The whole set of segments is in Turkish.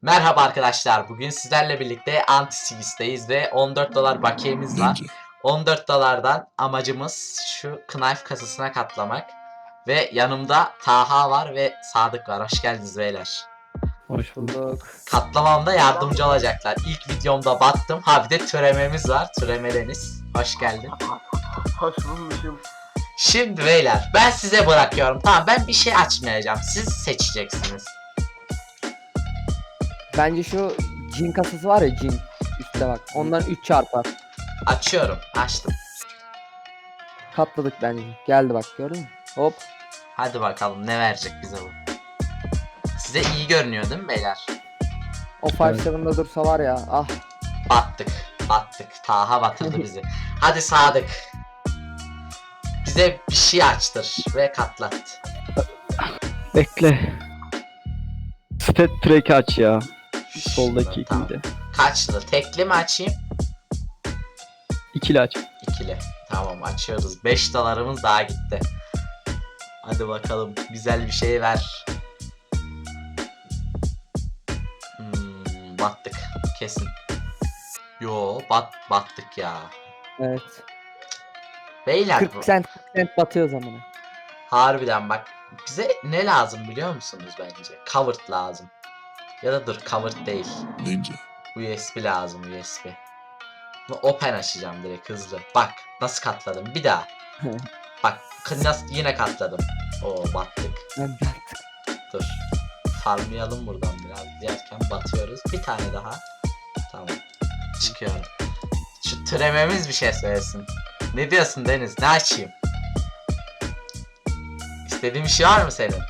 Merhaba arkadaşlar. Bugün sizlerle birlikte Anti-Sigis'teyiz ve 14 dolar bakiyemiz var. 14 dolardan amacımız şu knife kasasına katlamak. Ve yanımda Taha var ve Sadık var. Hoş geldiniz beyler. Hoş bulduk. Katlamamda yardımcı olacaklar. İlk videomda battım. Ha bir de türememiz var. Türeme Deniz. Hoş geldin. Hoş bulmuşum. Şimdi beyler ben size bırakıyorum. Tamam, ben bir şey açmayacağım. Siz seçeceksiniz. Bence şu cin kasası var ya, cin. Üstte bak. Ondan 3 çarpar. Açıyorum. Açtım. Katladık bence. Geldi bak, gördün mü? Hop. Hadi bakalım ne verecek bize bu. Size iyi görünüyor değil mi beyler? O 5-7'da dursa var ya. Ah. Battık. Battık. Taha batırdı bizi. Hadi Sadık. Bize bir şey açtır ve katlat. Bekle. Stat track aç ya. Soldaki Tamam. ikili. Kaçlı? Tekli mi açayım? İkili aç. İkili. Tamam, açıyoruz. 5 dolarımız daha gitti. Hadi bakalım. Güzel bir şey ver. Battık. Kesin. Yo, battık ya. Evet. Beyler 40 cent batıyor zamanı. harbiden bak, bize ne lazım biliyor musunuz bence? Covered lazım. Ya da dur, covered değil. Ninja. USB lazım, USB. Bunu open açacağım direkt hızlı. Bak nasıl katladım bir daha. Bak nasıl yine katladım. Oo, battık. Dur. Farmlayalım buradan biraz diyerken batıyoruz. Bir tane daha. Tamam. Çıkıyorum. Şu türememiz bir şey söylesin. Ne diyorsun Deniz? Ne açayım? İstediğin bir şey var mı senin?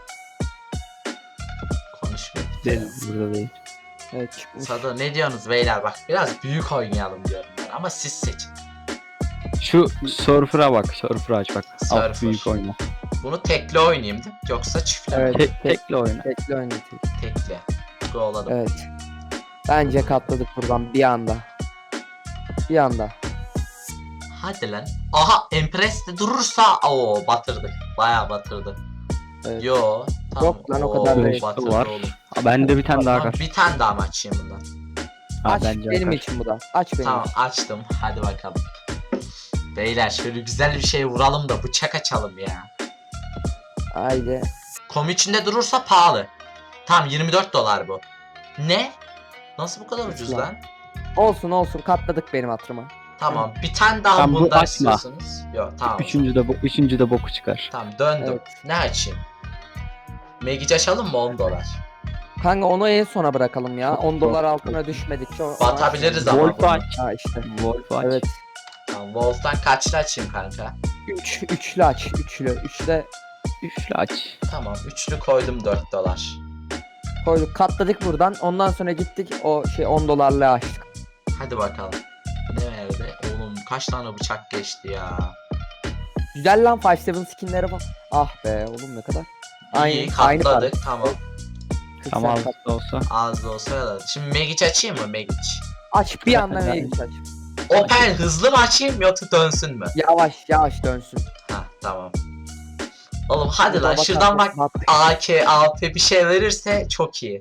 Konuşmuyor. Değil, burada değil. Evet, çıkmış. Sado ne diyorsunuz beyler? Bak biraz büyük oynayalım diyorum ben ama siz seçin. Şu surfer'a bak. Surfer'a aç bak. Surfer. Alt büyük oyna. Bunu tekli oynayayım değil mi? Yoksa çiftli mi? Evet. Tekli oyna. Tekli oynatıyor. Tekli. Go'ladım. Evet. Bence katladık buradan bir anda. Bir anda. Hadi lan. Aha, Empress'te durursa o batırdık. Bayağı batırdı. Evet. Yo. Tamam. Yok lan, o kadar Oo, değil. batırdı Var. oğlum. Ha, bende bir tane daha Tamam, var. bir tane daha mı açayım bundan? Ha, Aç bence benim akar. için bu da. Aç benim Tamam, için. açtım. Hadi bakalım. Beyler şöyle güzel bir şey vuralım da bıçak açalım ya. Haydi. Kom içinde durursa pahalı. Tamam, 24 dolar bu. Ne? Nasıl bu kadar ucuz Lan. lan? Olsun katladık benim hatırıma. Tamam, bir tane daha Tamam, bu bundan açma. istiyorsunuz. Yok, tamam. Üçüncü de boku çıkar. Tamam, döndüm. Evet. Ne açayım? Magic açalım mı 10 dolar? Kanka onu en sona bırakalım ya. 10 dolar altına düşmedikçe Batabiliriz ama. Wolf bunu. aç. Ha işte. Wolf aç. Evet. Tamam, Wolf'tan kaçlı açayım kanka? Üçlü aç. Üçlü Üçlü aç. Tamam, üçlü koydum 4 dolar. koyduk. Katladık buradan. Ondan sonra gittik o 10 dolarlığı açtık. Hadi bakalım. Ne verdi? Oğlum kaç tane bıçak geçti ya. Güzel lan 5-7 skinlere bak. Ah be oğlum, ne kadar. İyi Aynı para. katladık, tamam. 40 Tamam cent kat. da olsa. Az da olsa ya da. Şimdi Magic açayım mı Magic? Aç bir anda Ben- neye aç. Open hızlı mı açayım yoksa dönsün mü? Yavaş dönsün. Ha, tamam. Oğlum hadi lan Baba şuradan bak. katladık. AK, AP bir şey verirse çok iyi.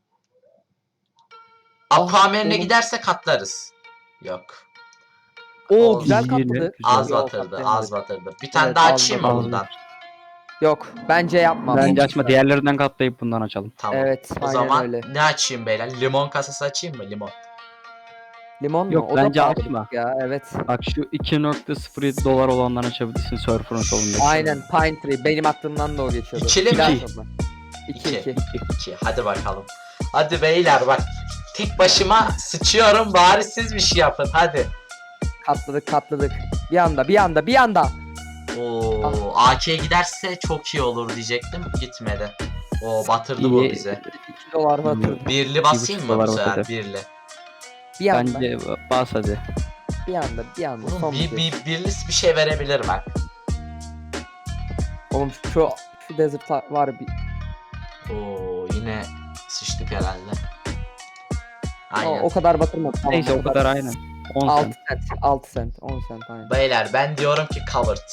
Aquaman'e oğlum. giderse katlarız. Yok. Oo Oldu. güzel İyi, katladı. Az Yok, batırdı, katlayamadık. az batırdı. Bir tane Evet, daha az açayım mı batırdı. bundan? Yok bence yapma. Bence açma. Diğerlerinden katlayıp bundan açalım. Tamam. Evet, O aynen zaman öyle. ne açayım beyler? Limon kasası açayım mı? Limon. Limon mu? Yok, O da bence pahalı açma. Ya evet. Bak şu 2.07 dolar olandan açabilirsin surfer'ın solundaki. Aynen Pine Tree. Benim aklımdan da o geçiyordu. İkili mi? Biraz İki. sonra. İki. 2. 2. Hadi bakalım. Hadi beyler bak. Tek başıma sıçıyorum, bari siz bir şey yapın hadi. Katladık. Bir anda. Oo, AK'ye giderse çok iyi olur diyecektim. Gitmedi. Oo, batırdı bu İyi. bize. 2 dolar batırdı. Birli basayım mı bu dolar sefer? batırdı. Birli. Bir anda. Bence bas hadi. Bir anda. Oğlum Son birli bir şey verebilir bak. Oğlum şu desert var bir. Oo, yine sıçtık herhalde. Aynen. O kadar batırmadı. Tamam, Neyse o kadar aynen. 10 6 cent. cent. 6 cent. 10 cent aynen. Beyler ben diyorum ki covered.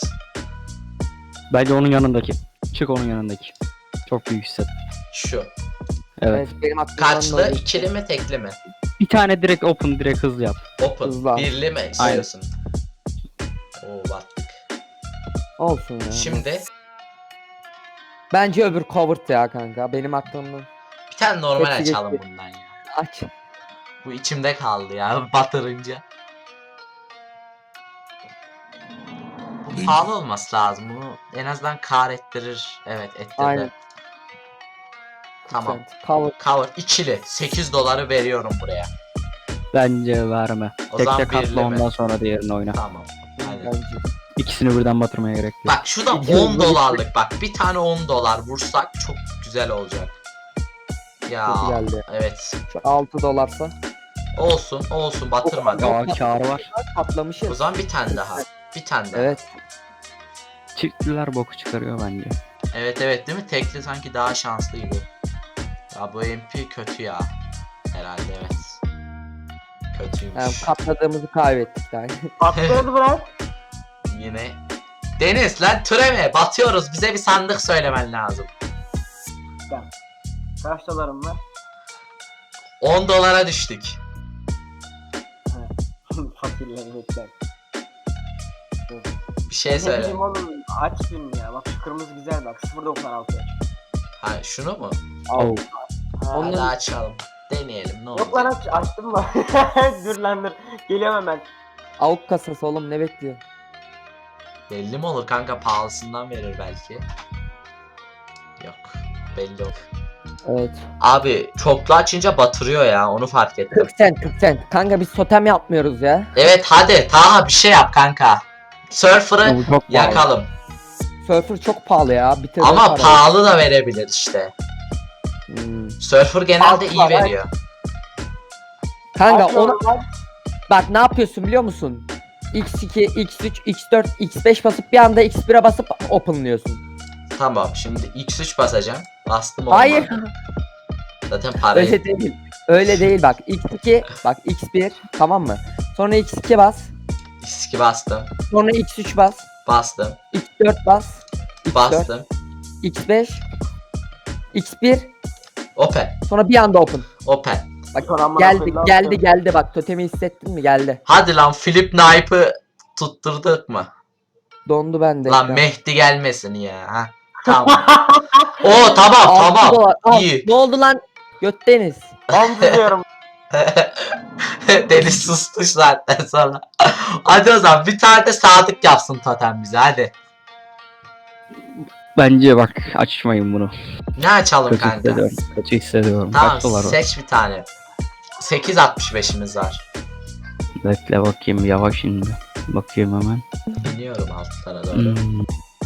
Bence onun yanındaki. Çık onun yanındaki. Çok büyük hisset. Şu. Evet. benim aklımdan Kaçlı? da İkili mi tekli mi? Bir tane direkt open, direkt hızlı yap. Open. Hızlı. Birli mi istiyorsun? Oo battık. olsun ya. Şimdi Bence öbür covered ya kanka. Benim aklımdan. bir tane normal Hepsi açalım geçti. bundan ya. Aç. Bu içimde kaldı ya batırınca. Bu pahalı olması lazım. Bunu en azından kar ettirir. Evet ettirdi. Aynen. Tamam. Cover. Cover ikili. 8 doları veriyorum buraya. Bence verme. O Tekte zaman birli katla, mi? ondan sonra diğerini oyna. Tamam. Aynen. Bence. İkisini birden batırmaya gerek yok. Bak şurada 10 dolarlık bak. Bir tane 10 dolar vursak çok güzel olacak. Ya Kötü geldi. evet. Şu 6 dolarsa. Olsun batırmadı. Ya kârı var. O Patlamışız. zaman bir tane daha. Bir tane daha. Evet. Çiftliler boku çıkarıyor bence. Evet değil mi? Tekli sanki daha şanslı gibi. Ya bu MP kötü ya. Herhalde evet. Kötüymüş. Yani katladığımızı kaybettik yani. Patladı bırak. Yine. Deniz lan türeme batıyoruz. Bize bir sandık söylemen lazım. Kaç dolarım var? 10 dolara düştük. Fakirleri bekler. Bir şey Ne söyle. bileyim oğlum aç film ya. Bak şu kırmızı güzel bak. 0.96. Ha şunu mu? Oh. Ha, Onun- Hadi açalım. Deneyelim ne Yok lan olur. açtım mı? Dur lan dur. Geliyorum hemen. Avuk kasası oğlum ne bekliyor? Belli mi olur kanka pahalısından verir belki. Yok. Belli olur. Evet. Abi çoklu açınca batırıyor ya onu fark ettim. 40 cent 40 cent. Kanka biz totem yapmıyoruz ya. Evet hadi Taha bir şey yap kanka. Surfer'ı Bu çok pahalı. yakalım. Surfer çok pahalı ya. Bitirdi Ama parayı. pahalı da verebilir işte. Surfer genelde Altı iyi var, veriyor. Kanka Açıyorum onu lan. bak ne yapıyorsun biliyor musun? X2, X3, X4, X5 basıp bir anda X1'e basıp openlıyorsun. Tamam şimdi X3 basacağım. Bastım olmadı. Hayır. Zaten parayı Öyle değil. Öyle değil bak. X2 bak X1 tamam mı? Sonra X2 bas. X2 bastım. Sonra X3 bas. Bastım. X4 bas. X4, Bastım. X5 X1 Open. sonra bir anda open. Open. Bak Sonra amına geldi koyayım, ne geldi yapacağım? geldi bak totemi hissettin mi geldi. Hadi lan Philip Knipe'ı tutturduk mu? Dondu bende. Lan ekran. Mehdi gelmesin ya. Ha? Tamam. Oo tamam 6 tamam. dolar. Al. İyi. Ne oldu lan? Götteniz. Ben diziyorum. Deniz sustu zaten sonra. Hadi o zaman bir tane de Sadık yapsın totem bize hadi. Bence bak açmayın bunu. Ne açalım Kötü kanka? hissediyorum. Kötü hissediyorum. Tamam Kaç dolar var? seç bir tane. 8.65'imiz var. Bekle bakayım yavaş şimdi. Bakayım hemen. İniyorum altlara doğru. Hmm.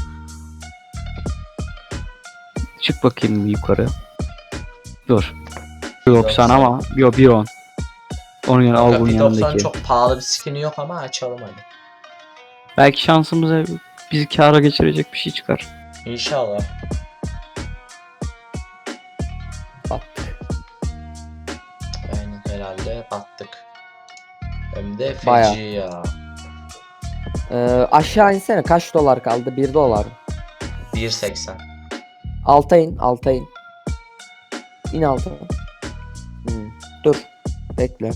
Çık bakayım bir yukarı. Dur. 90 ama yok 1.10. Onun yanı al bunun P90 yanındaki. çok pahalı bir skin'i yok ama açalım hadi. Belki şansımıza bizi kâra geçirecek bir şey çıkar. İnşallah. Battık. Aynen herhalde battık. Hem de feci Bayağı. ya. Aşağı insene kaç dolar kaldı? 1 dolar. 1.80. Alta in, alta in. İn alta. Dur. Bekle.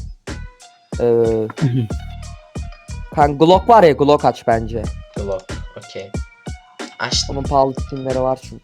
Kan Glock var ya Glock aç bence. Glock. Okey. Açtım. Onun pahalı skinleri var çünkü.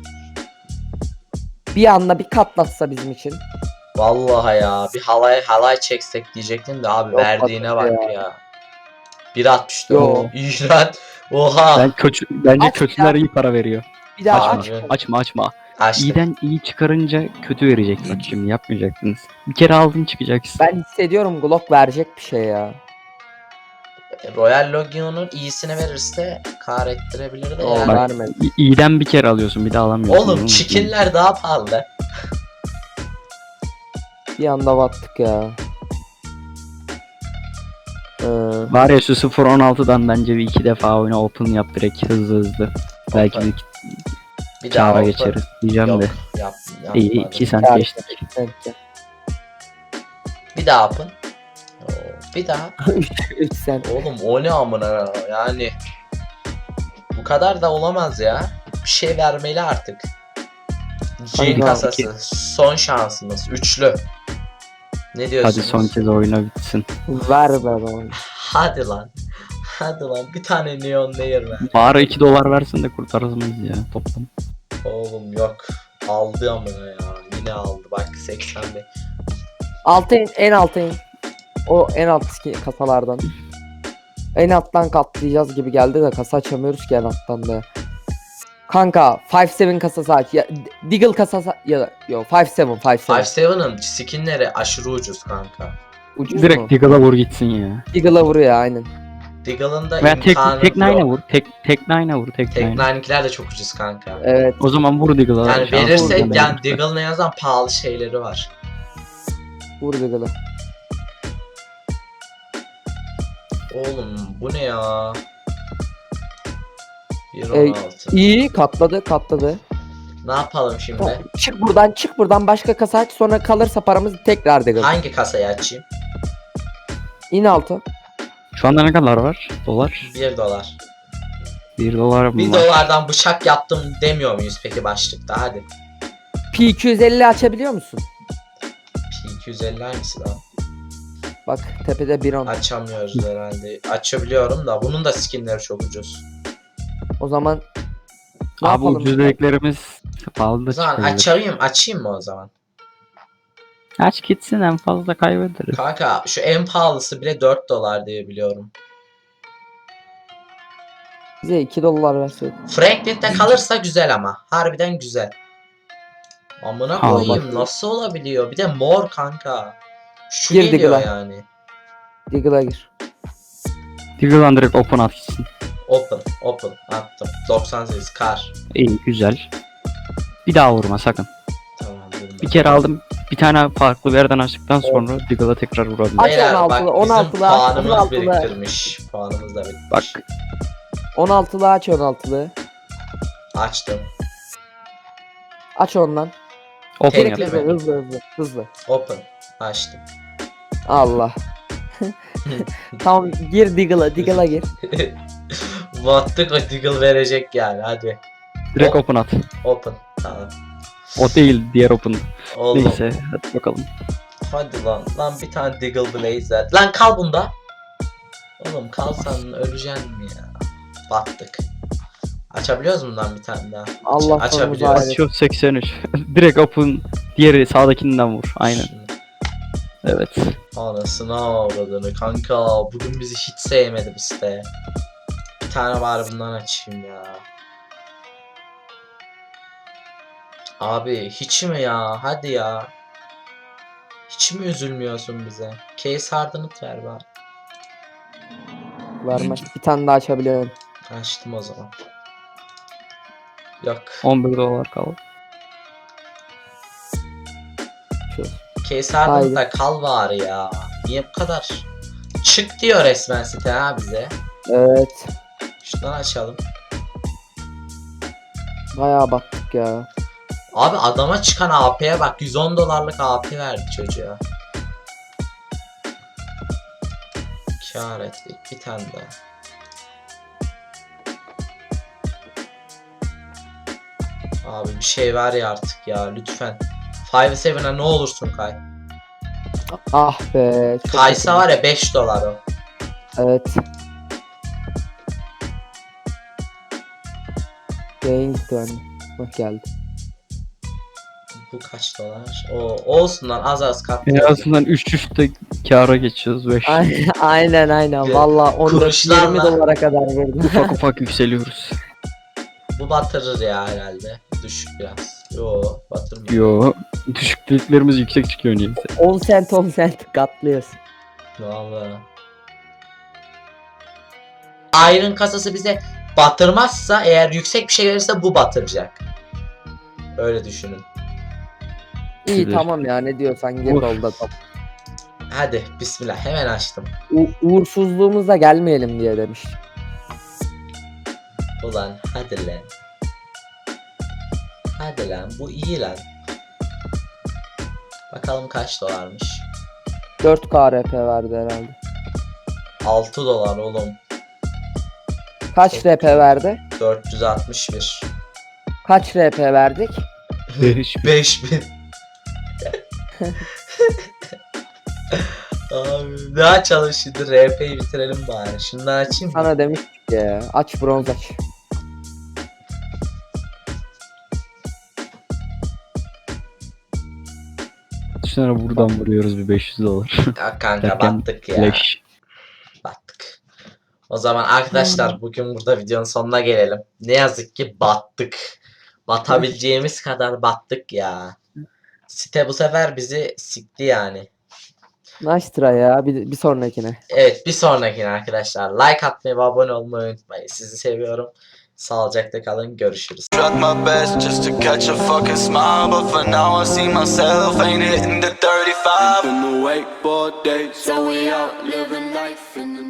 Bir anda bir katlatsa bizim için. Vallahi ya bir halay çeksek diyecektim de abi Yok, verdiğine bak batıyor ya. 1.64. Yo. İğrenç. Oha. Bence Aç kötüler ya. iyi para veriyor. Bir daha Açma. aç. Evet. Açma. Açtım. İyiden iyi çıkarınca kötü verecek bak şimdi yapmayacaktınız. Bir kere aldın çıkacaksın. Ben hissediyorum Glock verecek bir şey ya. Royal Logion'un iyisini verirse kar ettirebilir de O yani. Bak, vermedi. İyiden bir kere alıyorsun bir daha alamıyorsun. Oğlum çikinler daha pahalı. Bir anda battık ya. Var ya şu 0.16'dan bence bir iki defa oyna open yap direkt hızlı. Belki Open. bir Bir daha kâra open. geçeriz diyeceğim Yok de. yapmadım. İyi 2 sent Kâr. geçtik. Belki. Bir daha open. Oo, bir daha. 3 sen. Oğlum o ne amına yani. Bu kadar da olamaz ya. Bir şey vermeli artık. G Kanka, kasası. Son şansımız. Üçlü. Ne diyorsunuz? Hadi son kez oyuna bitsin. Ver be bana. Hadi lan. Hadi lan. Bir tane neon layer ver. Bari 2 dolar versin de kurtarırız ya toplam. Oğlum yok. Aldı ama ya. Yine aldı. Bak 80'de. Altı in, en alta in. O en alt kasalardan. En alttan katlayacağız gibi geldi de kasa açamıyoruz ki en alttan da. Kanka 5-7 kasası aç. Ya, Deagle kasası ya da yok 5-7 5-7. 5-7'ın skinleri aşırı ucuz kanka. Ucuz Direkt mu? Deagle'a vur gitsin ya. Deagle'a vuruyor aynen. Deagle'ın da Veya tek imkanı nine'a yok. vur. Tek nine'a vur. Tek Tek nine. nine'inkiler de çok ucuz kanka. Evet. O zaman vur Deagle'a. Yani Şans verirsek olsun. yani Deagle'ın en azından pahalı şeyleri var. Vur Deagle'a. Oğlum bu ne ya? 1.16. İyi katladı. Ne yapalım şimdi? Tamam, çık buradan başka kasa aç sonra kalırsa paramız tekrar Deagle. Hangi kasayı açayım? İn altı. Şu anda ne kadar var? Dolar. 1 dolar. 1 dolar mı 1 var? dolardan bıçak yaptım demiyor muyuz peki başlıkta? Hadi. P250 açabiliyor musun? P250 hangisi lan? Bak tepede bir on. Açamıyoruz herhalde. Açabiliyorum da bunun da skinleri çok ucuz. O zaman ne Abi yapalım? ucuz dediklerimiz pahalı da O zaman çıkabilir. açayım mı o zaman? Aç gitsin en fazla kaybederiz. Kanka şu en pahalısı bile 4 dolar diye biliyorum. Bize 2 dolar verseydin. Franklin'de kalırsa güzel ama. Harbiden güzel. Amına Ha, koyayım bak. nasıl olabiliyor? Bir de mor kanka. Şu Girdi geliyor gla. yani. Deagle'a gir. Deagle'dan direkt open at gitsin. Open attım. 98 kar. İyi güzel. Bir daha vurma sakın. Tamam vurma. Bir kere aldım. Bir tane farklı bir yerden açtıktan sonra Deagle'a tekrar vurabilirim. Aç Beyler 16'lı, bak bizim 16'lı, puanımız 16'lı. biriktirmiş. Puanımız da bitmiş. Bak 16'lı aç 16'lı. Açtım. Aç ondan. open Tekle yap. mi? Hızlı. Open. Açtım. Allah. Tamam gir Deagle'a gir. Battık o Deagle verecek yani hadi. Direkt open at. Open. Tamam. O değil diğer open. Oğlum. Neyse hadi bakalım. Hadi lan. Lan bir tane Deagle Blaze ver. Lan kal bunda. Oğlum kalsan öleceksin mi ya? Battık. Açabiliyoruz mu lan bir tane daha? Allah sonumuzu Açabiliyoruz. hayret. Açıyor 83. Direkt open diğeri sağdakinden vur. Aynen. Şunu- Evet. Anasını avradını kanka. Bugün bizi hiç sevmedi bu site. Bir tane bari bundan açayım ya. Abi hiç mi ya? Hadi ya. Hiç mi üzülmüyorsun bize? Case Hardened ver bari. Vermez. Bir tane daha açabiliyorum. Açtım o zaman. Yok. 11 dolar kaldı. Şu. Case Hardened Haydi. da kal bari ya. Niye bu kadar? Çık diyor resmen site ha bize. Evet. Şuradan açalım. Bayağı baktık ya. Abi adama çıkan AP'ye bak 110 dolarlık AP verdi çocuğa. Kâr ettik bir tane daha. Abi bir şey ver ya artık ya lütfen. 5-7'e ne olursun kay. Ah be. çok Kaysa kötü. var ya 5 dolar o. Evet. Yayın gitti bende. Bak geldi. Bu kaç dolar? O olsun lan az En katlayalım. azından 3 üstte kâra geçiyoruz 5. Aynen. Bir Valla 14 20 kuruşlarla- dolara kadar verdim. Ufak ufak yükseliyoruz. Bu batırır ya herhalde. Düşük biraz. Yo batırmıyor. Yo. Düşüklüklerimiz yüksek çıkıyor neyse. 10 cent katlıyoruz. Vallahi. Iron kasası bize batırmazsa eğer yüksek bir şey verirse bu batıracak. Öyle düşünün. İyi Bilir. tamam ya ne diyorsan gir Vur. dolda top. Hadi bismillah hemen açtım. Uğursuzluğumuzla gelmeyelim diye demiş. Ulan hadi lan. Hadi lan bu iyi lan. Bakalım kaç dolarmış. 4 KRP verdi herhalde. 6 dolar oğlum. Kaç RP verdi? 461. Kaç RP verdik? 5000. Abi ne açalım şimdi, RP'yi bitirelim bari. Şundan açayım mı? Sana demiştik ya. Aç bronz aç. Düşünsene buradan vuruyoruz bir 500 dolar. Ya kanka Derken battık ya. Flash. Battık. O zaman arkadaşlar bugün burada videonun sonuna gelelim. Ne yazık ki battık. Batabileceğimiz kadar battık ya. Site bu sefer bizi sikti yani. Nice try ya. Bir sonrakine. Evet, bir sonrakine arkadaşlar like atmayı ve abone olmayı unutmayın. Sizi seviyorum. Sağlıcakla kalın. Görüşürüz. Tried my best just to catch a fucking smile, but for now I see myself ain't hitting the 35. Been the wakeboard days, so we out living life in the